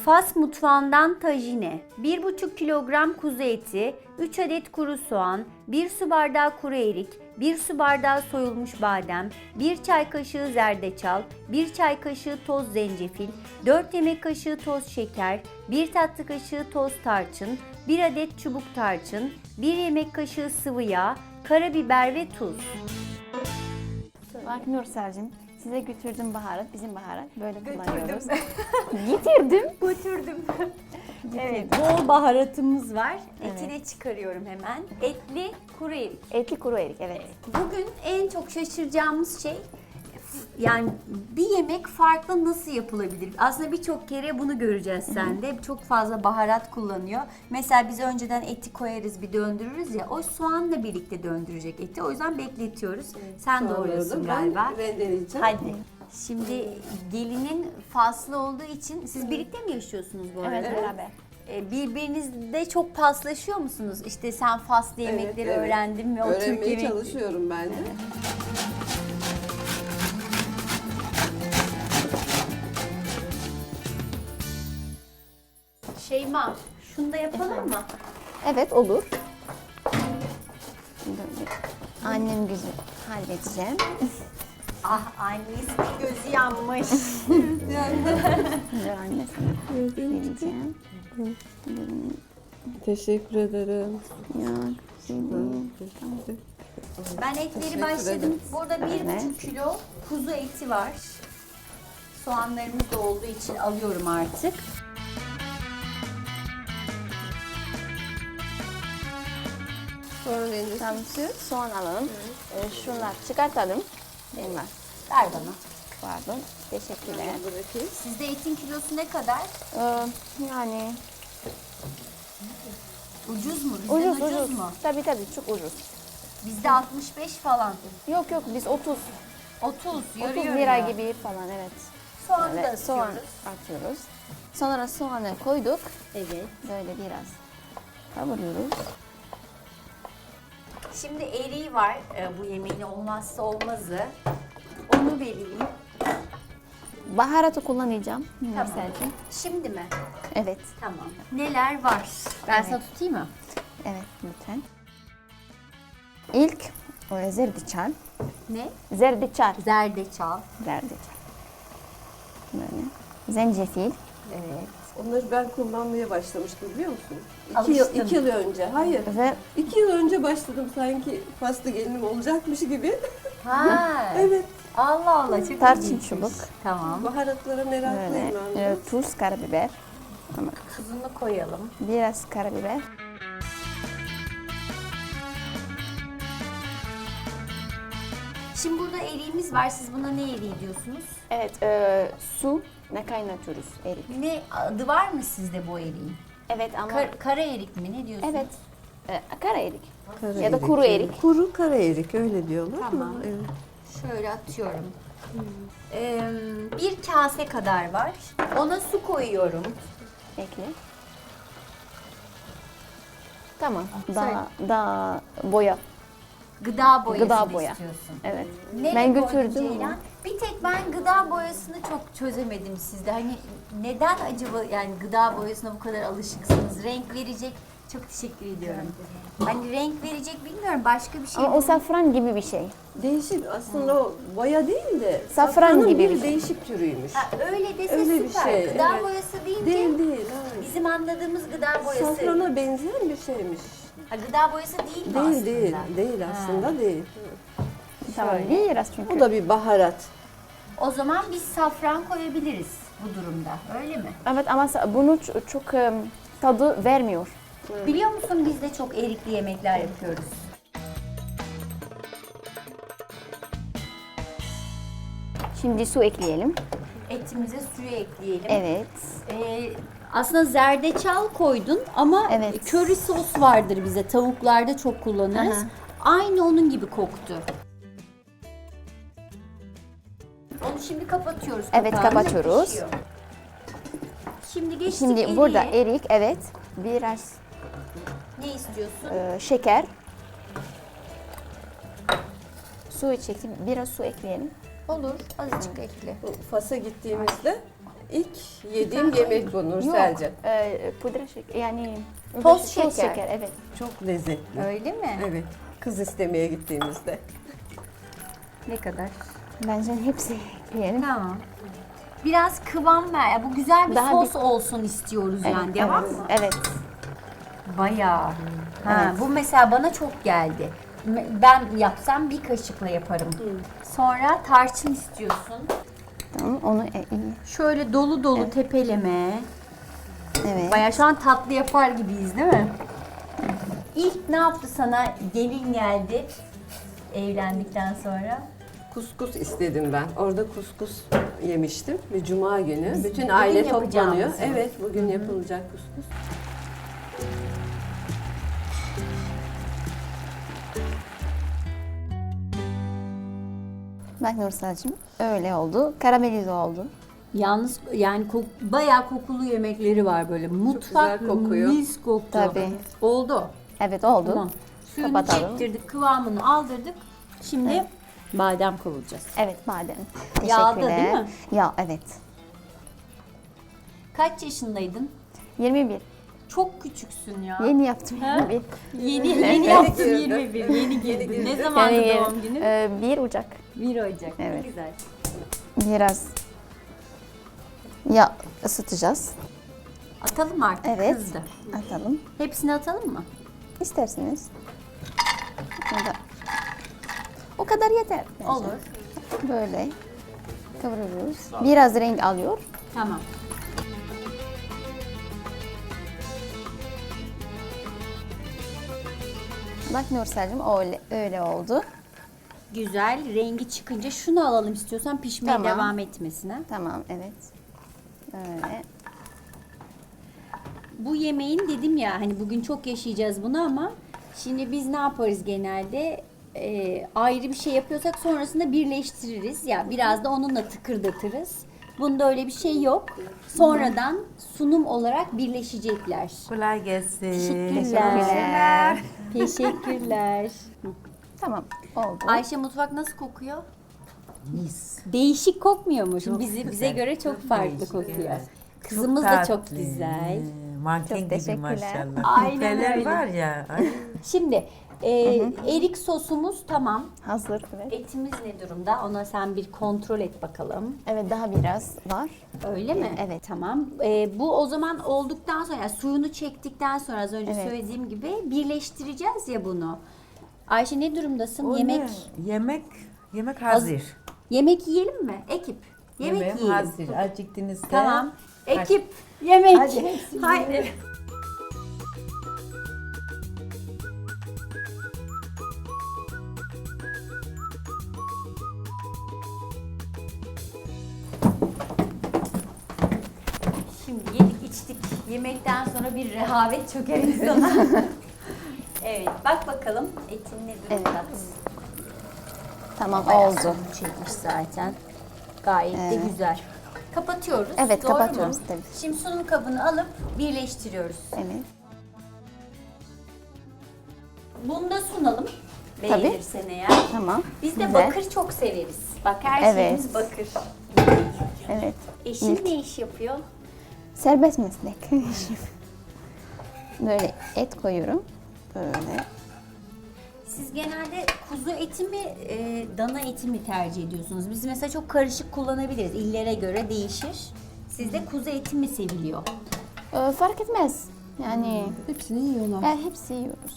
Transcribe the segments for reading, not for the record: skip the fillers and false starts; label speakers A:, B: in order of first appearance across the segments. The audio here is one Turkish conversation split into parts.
A: Fas mutfağından tajine, 1,5 kilogram kuzu eti, 3 adet kuru soğan, 1 su bardağı kuru erik, 1 su bardağı soyulmuş badem, 1 çay kaşığı zerdeçal, 1 çay kaşığı toz zencefil, 4 yemek kaşığı toz şeker, 1 tatlı kaşığı toz tarçın, 1 adet çubuk tarçın, 1 yemek kaşığı sıvı yağ, karabiber ve tuz.
B: Bak Nursel'cim, size götürdüm baharat, bizim baharat böyle kullanıyoruz. Getirdim.
A: Götürdüm. Evet, bol baharatımız var. Etini de çıkarıyorum hemen. Etli kuru erik.
B: Etli kuru erik, evet.
A: Bugün en çok şaşıracağımız şey, yani bir yemek farklı nasıl yapılabilir? Aslında birçok kere bunu göreceğiz sende. Çok fazla baharat kullanıyor. Mesela biz önceden eti koyarız, bir döndürürüz ya. O soğanla birlikte döndürecek eti. O yüzden bekletiyoruz. Sen doğruyorsun galiba.
C: Ben rendeleyeceğim.
A: Hadi. Şimdi gelinin Faslı olduğu için siz birlikte mi yaşıyorsunuz bu arada?
B: Evet, beraber.
A: Birbirinizde çok paslaşıyor musunuz? İşte sen Faslı yemekleri
C: evet.
A: öğrendin ve o Türk
C: Öğrenmeye
A: yemekleri.
C: çalışıyorum ben de.
A: Şeyma, şunu da yapalım mı?
B: Evet, olur. Böyle. Annem güzel halledeceğim.
A: Ah, annesi gözü yanmış.
B: Dur anne sana vereceğim.
C: Teşekkür ederim.
B: Ya, şimdi.
A: Ben etleri başladım. Burada 1,5 kilo kuzu eti var. Soğanlarımız da olduğu için alıyorum artık.
C: Sonra rendesi.
B: Tamam, soğan alalım. Şunlar çıkartalım. Benim var.
A: Ver bana.
B: Pardon. Teşekkürler.
C: Bırakayım.
A: Sizde etin kilosu ne kadar?
B: Yani
A: Ucuz mu? Bizden ucuz mu?
B: Tabii çok ucuz.
A: Bizde 65 falan.
B: Yok biz 30
A: 30, yarı
B: 30
A: yarıya.
B: lira gibi falan, evet.
A: Soğanı da
B: Evet, soğan
A: atıyoruz.
B: atıyoruz. Sonra soğanı koyduk.
A: Evet.
B: Böyle biraz kavuruyoruz.
A: Şimdi eriği var, bu yemeğin olmazsa olmazı. Onu vereyim.
B: Baharatı kullanacağım.
A: Tamam.
B: Nursel'cim.
A: Şimdi mi?
B: Evet.
A: Tamam. Neler var? Ben sana tutayım mı?
B: Evet, lütfen. İlk zerdeçal.
A: Ne?
B: Zerdeçal.
A: Zerdeçal.
B: Zerdeçal. Böyle. Zencefil.
A: Evet.
C: Onları ben kullanmaya başlamıştım biliyor musun?
A: Alıştın.
C: 2 yıl önce. Hayır.
B: Ve
C: 2 yıl önce başladım sanki Faslı gelinim olacakmış gibi.
A: Ha.
C: Evet.
A: Allah Allah, çok
B: tarçın
A: ilginçmiş.
B: çubuk.
A: Tamam.
C: Baharatlara meraklıyım
B: Böyle.
C: ben de.
B: Tuz, karabiber. Ama
A: Tuzunu koyalım.
B: biraz karabiber.
A: Şimdi burada eriğimiz var. Siz buna ne eriği diyorsunuz?
B: Evet, su ne kaynatıyoruz erik.
A: Ne adı var mı sizde bu eriğin?
B: Evet ama
A: Kara erik mi? Ne diyorsunuz?
B: evet. Kara erik.
C: Kara
B: Ya da
C: erik,
B: kuru
C: evet.
B: erik.
C: Kuru kara erik öyle diyorlar
A: Tamam.
C: ama evet.
A: Şöyle atıyorum. Bir kase kadar var. Ona su koyuyorum.
B: Ekle. Tamam.
A: Söyle.
B: Daha boya.
A: Gıda boyasını
B: Gıda boya.
A: istiyorsun.
B: Evet.
A: Nereye
B: Ben
A: koydun
B: götürdüm
A: Ceylan?
B: ama.
A: Bir tek ben gıda boyasını çok çözemedim sizde. Hani neden acaba yani gıda boyasına bu kadar alışıksınız? Renk verecek. Çok teşekkür ediyorum. Hani renk verecek bilmiyorum. Başka bir şey
B: Ama o safran gibi bir şey.
C: Değişik aslında o boya değil de
B: Safran
C: safranın
B: gibi
C: bir
B: bir şey.
C: değişik türüymüş.
A: Ha, öyle dese
C: Öyle bir
A: süper.
C: şey,
A: Gıda
C: evet.
A: boyası deyince
C: Değil değil. hayır.
A: bizim anladığımız gıda boyası.
C: Safrana benzeyen bir şeymiş.
A: Ha, gıda boyası değil mi
C: Değil
A: aslında?
C: değil. Değil aslında değil.
B: Tamam. Biraz çünkü.
C: O da bir baharat.
A: O zaman biz safran koyabiliriz bu durumda. Öyle mi?
B: Evet ama bunu çok tadı vermiyor.
A: Biliyor musun biz de çok erikli yemekler yapıyoruz.
B: Şimdi su ekleyelim.
A: Etimize suyu ekleyelim.
B: Evet.
A: Aslında zerdeçal koydun ama
B: Evet.
A: köri sos vardır bize. Tavuklarda çok kullanırız.
B: Aha.
A: Aynı onun gibi koktu. Onu şimdi kapatıyoruz.
B: Evet,
A: kapağını,
B: kapatıyoruz.
A: pişiyor. Şimdi geçtik
B: Şimdi
A: eriğe.
B: burada erik, evet. Biraz
A: Ne istiyorsun?
B: şeker. Su çektim. Biraz su ekleyelim.
A: Olur, azıcık ekle.
C: Bu Fas'a gittiğimizde ilk yediğim yemek bu Nursel'cim.
B: Pudra şeker yani
A: Toz şeker.
B: evet.
D: Çok lezzetli.
A: Öyle mi?
C: Evet. Kız istemeye gittiğimizde.
A: Ne kadar?
B: Bence hepsi yiyelim.
A: Tamam. Biraz kıvam ver. Bu güzel bir
B: Daha
A: sos olsun istiyoruz yani. Devam
B: evet,
A: mı?
B: evet.
A: Bayağı. Ha, bu mesela bana çok geldi. Ben yapsam bir kaşıkla yaparım. Sonra tarçın istiyorsun.
B: Tamam onu iyi.
A: Şöyle dolu dolu tepeleme.
B: Evet.
A: Bayağı şu an tatlı yapar gibiyiz değil mi? İlk ne yaptı sana? Gelin geldi evlendikten sonra.
C: Kuskus istedim ben. Orada kuskus yemiştim. Bir cuma günü. Bütün
A: bugün
C: aile
A: yapacağımız
C: toplanıyor.
A: mı?
C: Evet, bugün yapılacak kuskus.
B: Bak Nursel'cim öyle oldu. Karamelize oldu.
A: Yalnız yani bayağı kokulu yemekleri var böyle. Mutfak
C: güzel kokuyor.
A: mis koktu.
B: Tabii.
A: Oldu.
B: Evet oldu.
A: Tamam. Suyunu
B: Kapatalım.
A: çektirdik, kıvamını aldırdık. Şimdi badem kavuracağız.
B: Evet badem.
A: Yağda
B: Teşekkürler.
A: değil mi?
B: Ya evet.
A: Kaç yaşındaydın?
B: 21.
A: Çok küçüksün ya.
B: Yeni yaptım 21.
A: Yeni yaptın
C: girdi.
A: 21. Yeni girdin. Ne
C: girdi.
A: zamandı
B: Yani,
A: doğum günün?
B: 1 Ocak.
A: 1 Ocak.
B: Evet.
A: Ne güzel.
B: Biraz yağ ısıtacağız.
A: Atalım artık.
B: Evet.
A: Kızdı.
B: Atalım.
A: Hepsini atalım mı?
B: İsterseniz. Ya da- O kadar yeter. bence.
A: Olur.
B: Böyle kavuruyoruz. Biraz renk alıyor.
A: Tamam.
B: Bak Nursel'cim öyle oldu.
A: Güzel. Rengi çıkınca şunu alalım istiyorsan pişmeye
B: Tamam.
A: devam etmesine.
B: Tamam evet. Böyle.
A: Bu yemeğin dedim ya hani bugün çok yaşayacağız bunu ama şimdi biz ne yaparız genelde ayrı bir şey yapıyorsak sonrasında birleştiririz ya biraz da onunla tıkırdatırız. Bunda öyle bir şey yok. Sonradan sunum olarak birleşecekler.
D: Kolay gelsin.
A: Teşekkürler. Teşekkürler.
B: Tamam oldu.
A: Ayşe mutfak nasıl kokuyor?
D: Mis.
A: Değişik kokmuyor mu? Şimdi
D: Çok
A: bize
D: güzel,
A: göre çok farklı
D: değişik,
A: kokuyor.
D: evet.
A: Kızımız
D: Çok
A: da çok
D: tatlı.
A: güzel.
D: Manken
B: Çok
D: gibi
B: teşekkürler.
D: maşallah.
A: Aynen
D: Küpeler
A: öyle.
D: var ya. Ay.
A: Şimdi erik sosumuz tamam.
B: Hazır evet.
A: Etimiz ne durumda? Ona sen bir kontrol et bakalım.
B: Evet daha biraz var.
A: Öyle mi?
B: Evet.
A: Tamam. Bu o zaman olduktan sonra yani suyunu çektikten sonra az önce
B: Evet.
A: söylediğim gibi birleştireceğiz ya bunu. Ayşe ne durumdasın?
D: O
A: Yemek
D: ne? Yemek hazır.
A: yemek yiyelim mi? Ekip. Yemek
D: Yemeğim
A: yiyelim.
D: hazır. Acıktınızda.
A: Tamam. Ekip yemek.
D: Hadi.
A: Haydi. Şimdi yedik içtik. Yemekten sonra bir rehavet çöker insana. Evet, bak bakalım etin ne durumda.
B: Tamam
A: Bayağı
B: oldu.
A: suyunu çekmiş zaten. Gayet de güzel. Kapatıyoruz.
B: Evet,
A: doğru
B: kapatıyoruz,
A: mu?
B: tabii.
A: Şimdi sunum kabını alıp birleştiriyoruz.
B: Evet.
A: Bunu da sunalım.
B: Tabii.
A: Beğenirsen eğer.
B: Tamam.
A: Biz de
B: Güzel.
A: bakır çok severiz. Bak her
B: Evet.
A: şeyimiz bakır.
B: Evet.
A: Eşin ne iş yapıyor?
B: Serbest meslek. Böyle et koyuyorum. Böyle.
A: Siz genelde kuzu eti mi, dana eti mi tercih ediyorsunuz? Biz mesela çok karışık kullanabiliriz. İllere göre değişir. Sizde kuzu eti mi seviliyor?
B: Fark etmez. Yani
C: Hepsini yiyorlar.
B: hepsi yiyoruz.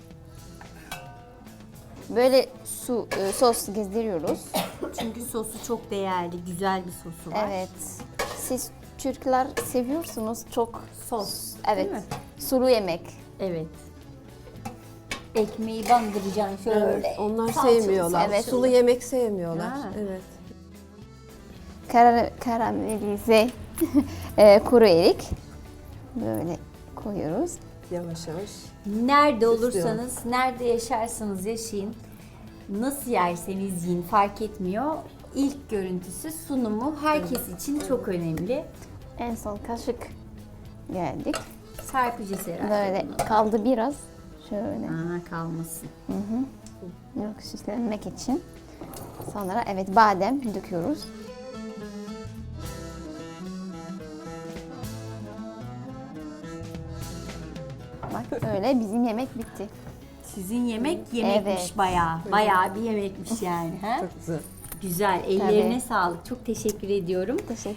B: Böyle sos gezdiriyoruz.
A: Çünkü sosu çok değerli, güzel bir sosu var.
B: Evet. Siz Türkler seviyorsunuz çok
A: Sos.
B: evet.
A: Değil mi?
B: Sulu yemek.
A: Evet. Ekmeği bandıracaksın şöyle.
C: Evet, onlar
A: salçalı
C: sevmiyorlar.
B: Evet.
C: Sulu yemek sevmiyorlar.
A: Ha.
C: Evet.
B: Karamelize kuru erik. Böyle koyuyoruz.
C: Yavaş yavaş.
A: Nerede olursanız, nerede yaşarsanız yaşayın, nasıl yerseniz yiyin fark etmiyor. İlk görüntüsü, sunumu herkes için çok önemli.
B: En son kaşık geldik.
A: Serpeceğiz herhalde.
B: Böyle
A: bunu.
B: kaldı biraz. Şöyle.
A: Kalmasın.
B: Yok süslenmek için. Sonra evet badem döküyoruz. Bak öyle bizim yemek bitti.
A: Sizin yemek yemekmiş
B: Evet.
A: bayağı bir yemekmiş yani. Ha?
C: Çok güzel.
A: Güzel, ellerine
B: Tabii.
A: sağlık. Çok teşekkür ediyorum.
B: Teşekkür